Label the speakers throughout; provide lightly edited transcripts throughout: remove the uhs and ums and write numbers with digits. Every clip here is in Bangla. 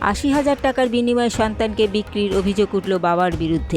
Speaker 1: ৮০,০০০ টাকার বিনিময়ে সন্তানকে বিক্রির অভিযোগ উঠল বাবার বিরুদ্ধে।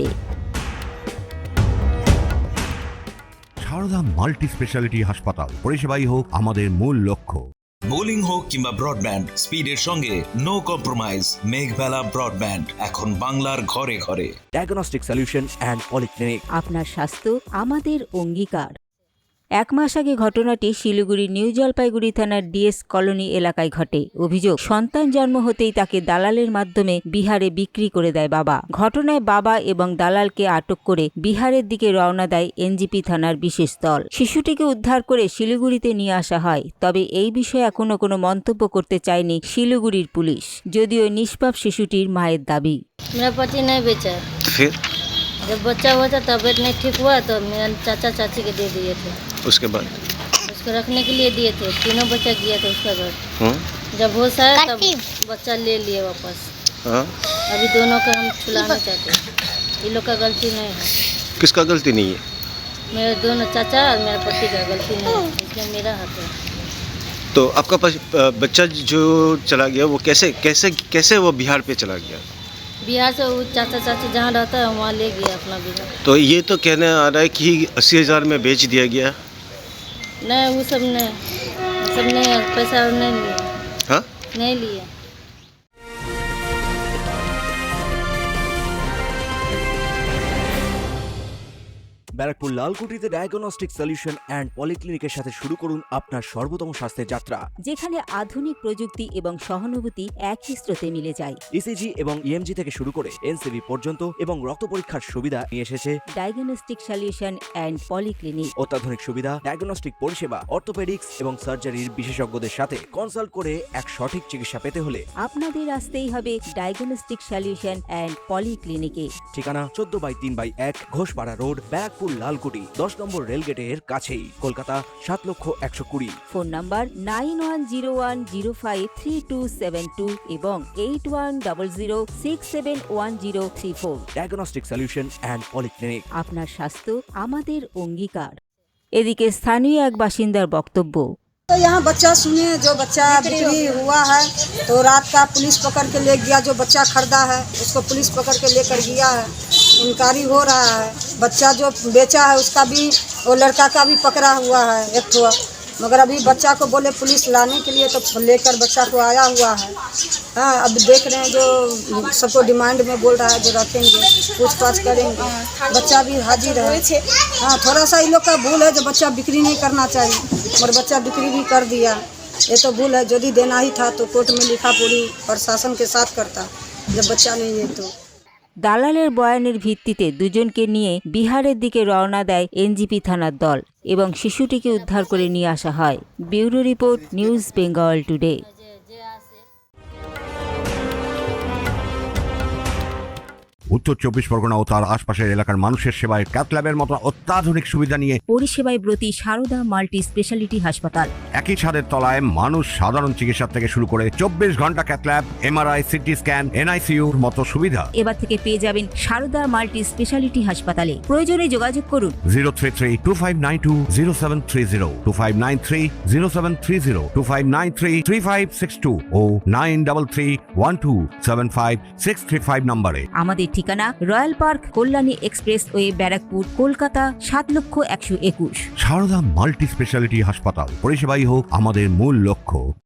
Speaker 2: সারদা মাল্টি স্পেশালিটি হাসপাতাল, পরিষেবাই হোক আমাদের মূল লক্ষ্য।
Speaker 3: বোলিং হোক কিংবা ব্রডব্যান্ড, স্পিডের সঙ্গে নো কম্প্রোমাইজ। মেঘবেলা ব্রডব্যান্ড এখন বাংলার ঘরে ঘরে।
Speaker 4: Diagnostic solution and polyclinic.
Speaker 1: আপনার স্বাস্থ্য আমাদের অঙ্গীকার। 1 মাস আগে ঘটনাটি শিলিগুড়ির নিউ জলপাইগুড়ি থানার ডিএস কলোনি এলাকায় ঘটে। অভিযোগ, সন্তান জন্ম হতেই তাকে দালালের মাধ্যমে বিহারে বিক্রি করে দেয় বাবা। ঘটনায় বাবা এবং দালালকে আটক করে বিহারের দিকে রওনা দেয় এনজিপি থানার বিশেষ দল। শিশুটিকে উদ্ধার করে শিলিগুড়িতে নিয়ে আসা হয়। তবে এই বিষয়ে এখনো কোনো মন্তব্য করতে চায়নি শিলিগুড়ির পুলিশ, যদিও নিষ্পাপ শিশুটির মায়ের দাবি।
Speaker 5: मेरा पति नहीं बेचा।
Speaker 6: फिर
Speaker 5: जब बच्चा हुआ था तबीयत नहीं ठीक हुआ तो मेरा चाचा चाची के दे दिए थे।
Speaker 6: उसके बाद
Speaker 5: उसको रखने के लिए दिए थे। तीनों बच्चा गया था उसका घर। जब होश आया तब बच्चा ले लिए वापस।
Speaker 6: हाँ?
Speaker 5: अभी दोनों का हम छुलाना चाहते हैं। ये लोग का गलती नहीं है,
Speaker 6: किसका गलती नहीं है?
Speaker 5: मेरे दोनों चाचा और मेरा पति का गलती नहीं है, इसमें मेरा हाथ है।
Speaker 6: तो आपका बच्चा जो चला गया वो कैसे कैसे कैसे वो बिहार पे चला गया?
Speaker 5: बिहार से वो चाचा चाची जहाँ रहता है वहाँ ले गया अपना बिहार।
Speaker 6: तो ये तो कहने आ रहा है कि 80,000 में बेच दिया गया।
Speaker 5: नहीं वो सब नहीं, पैसा नहीं लिए।
Speaker 6: हाँ?
Speaker 5: नहीं लिए।
Speaker 4: ব্যারাকপুর লালকুটিতে ডায়াগনস্টিক সলিউশন অ্যান্ড পলিক্লিনিকের সাথে শুরু করুন আপনার সর্বোত্তম স্বাস্থ্যের যাত্রা,
Speaker 1: যেখানে আধুনিক প্রযুক্তি এবং সহানুভূতি একই স্রোতে মিলে যায়।
Speaker 4: ইসিজি এবং ইএমজি থেকে শুরু করে এনসিবি পর্যন্ত এবং রক্ত পরীক্ষার সুবিধা নিয়ে এসেছে
Speaker 1: ডায়াগনস্টিক সলিউশন অ্যান্ড পলিক্লিনিক।
Speaker 4: অত্যাধুনিক সুবিধা, ডায়াগনস্টিক পরিষেবা, অর্থোপেডিক্স এবং সার্জারির বিশেষজ্ঞদের সাথে কনসাল্ট করে এক সঠিক চিকিৎসা পেতে হলে
Speaker 1: আপনাদের আসতেই হবে ডায়াগনস্টিক সলিউশন অ্যান্ড পলিক্লিনিকে।
Speaker 4: ঠিকানা 14/3/1 ঘোষপাড়া রোড, ব্যারাকপুর লালকুটি, 10 নম্বর রেলগেটের কাছেই, কলকাতা 7,120,000।
Speaker 1: ফোন নাম্বার 9101053272 এবং 8100671034।
Speaker 4: Diagnostic solution and polyclinic.
Speaker 1: আপনার স্বাস্থ্য আমাদের অঙ্গীকার। এদিকে স্থানীয় এক বাসিন্দার বক্তব্য।
Speaker 7: तो यहाँ बच्चा सुने, जो बच्चा बिक्री हुआ है तो रात का पुलिस पकड़ के ले गया। जो बच्चा खरीदा है उसको पुलिस पकड़ के लेकर गया है। इंक्वायरी हो रहा है। बच्चा जो बेचा है उसका भी, वो लड़का का भी पकड़ा हुआ है एक ठो, मगर अभी बच्चा को बोले पुलिस लाने के लिए तो लेकर बच्चा को आया हुआ है। हाँ, अब देख रहे हैं जो सबको डिमांड में बोल रहा है, जो रखेंगे पूछताछ करेंगे। बच्चा भी हाजिर है। हाँ, थोड़ा सा इन लोग का भूल है, जो बच्चा बिक्री नहीं करना चाहिए, और बच्चा बिक्री भी कर दिया। ये तो भूल है। यदि देना ही था तो कोर्ट में लिखा पूरी प्रशासन के साथ करता, जब बच्चा नहीं है तो।
Speaker 1: দালালের বয়ানের ভিত্তিতে দুজনকে নিয়ে বিহারের দিকে রওনা দেয় এনজিপি থানার দল এবং শিশুটিকে উদ্ধার করে নিয়ে আসা হয়। Bureau report, news Bengal today.
Speaker 2: উত্তর 24 পরগনা ও তার আশপাশের এলাকার মানুষের সেবায় ক্যাথল্যাবের মতো অত্যাধুনিক সুবিধা নিয়ে
Speaker 1: পরিষেবায় ব্রতী সারদা মাল্টি স্পেশালিটি হাসপাতাল।
Speaker 2: একই ছাদের তলায় মানুষ সাধারণ চিকিৎসা থেকে শুরু করে 24 ঘন্টা ক্যাথল্যাব, এমআরআই, সিটি স্ক্যান, এনআইসিইউর মতো সুবিধা
Speaker 1: এবার থেকে পেয়ে যাবেন সারদা মাল্টি স্পেশালিটি হাসপাতালে। প্রয়োজনে যোগাযোগ করুন
Speaker 2: 033-2592-0730, 2593-0730, 2593-3562 ও 9331275635 নম্বরে।
Speaker 1: আমাদের ঠিকানা royal park, Kalyani expressway, Barrackpore, Kolkata 7,121,000।
Speaker 2: Sarada multi speciality হাসপাতাল, পরিষেবাই হোক আমাদের মূল লক্ষ্য।